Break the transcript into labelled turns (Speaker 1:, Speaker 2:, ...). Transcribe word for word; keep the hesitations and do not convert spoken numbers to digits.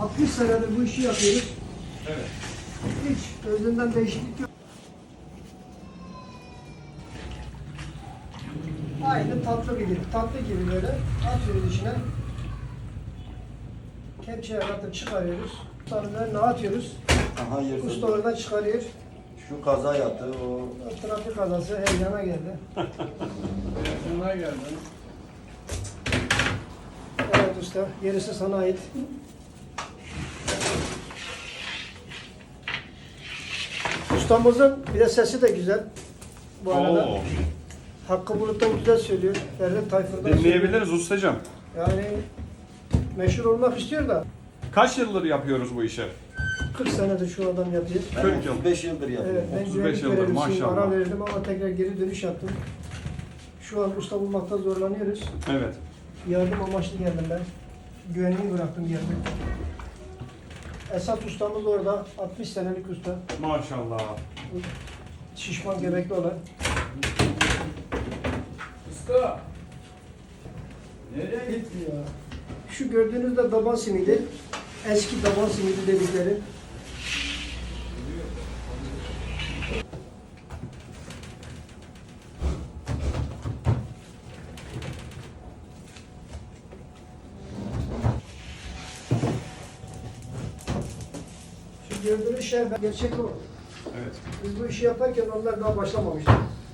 Speaker 1: altmış senedir bu işi yapıyoruz.
Speaker 2: Evet.
Speaker 1: Hiç özünden değişiklik yok. Aynı tatlı gibi, tatlı gibi böyle atıyoruz içine. Kepçeye atıp çıkarıyoruz. Sarılarını atıyoruz.
Speaker 3: Aha yersin.
Speaker 1: Usta oradan çıkarıyor.
Speaker 3: Şu kaza yaptı o.
Speaker 1: O trafik kazası heyecana geldi.
Speaker 2: Buna geldim.
Speaker 1: Evet usta, gerisi sana ait. Ustamızın bir de sesi de güzel. Bu arada.
Speaker 2: Oo.
Speaker 1: Hakkı Bulut'tan güzel söylüyor. Ferdi Tayfur'dan söylüyor.
Speaker 2: Dinleyebiliriz ustacığım.
Speaker 1: Yani meşhur olmak istiyor da
Speaker 2: Kaç yıldır yapıyoruz bu işi?
Speaker 1: kırk senedir şu adam yapıyor.
Speaker 3: Ben
Speaker 2: kırk yıl.
Speaker 3: otuz beş yıldır yapıyorum.
Speaker 1: Evet, ben
Speaker 2: otuz beş
Speaker 1: güvenlik
Speaker 2: yıldır,
Speaker 1: görevlisiyim,
Speaker 2: maşallah.
Speaker 1: ara verdim ama tekrar geri dönüş yaptım. Şu an usta bulmakta zorlanıyoruz.
Speaker 2: Evet.
Speaker 1: Yardım amaçlı geldim ben. Güvenliği bıraktım geldim. Esat ustamız orada, altmış senelik usta.
Speaker 2: Maşallah.
Speaker 1: Şişman göbekli olan.
Speaker 4: Usta. Nereye gitti ya?
Speaker 1: Şu gördüğünüz de daban simidi. Eski daban simidi dedikleri. Şu gördüğünüz şey gerçek o.
Speaker 2: Evet.
Speaker 1: Biz bu işi yaparken onlar daha başlamamıştı.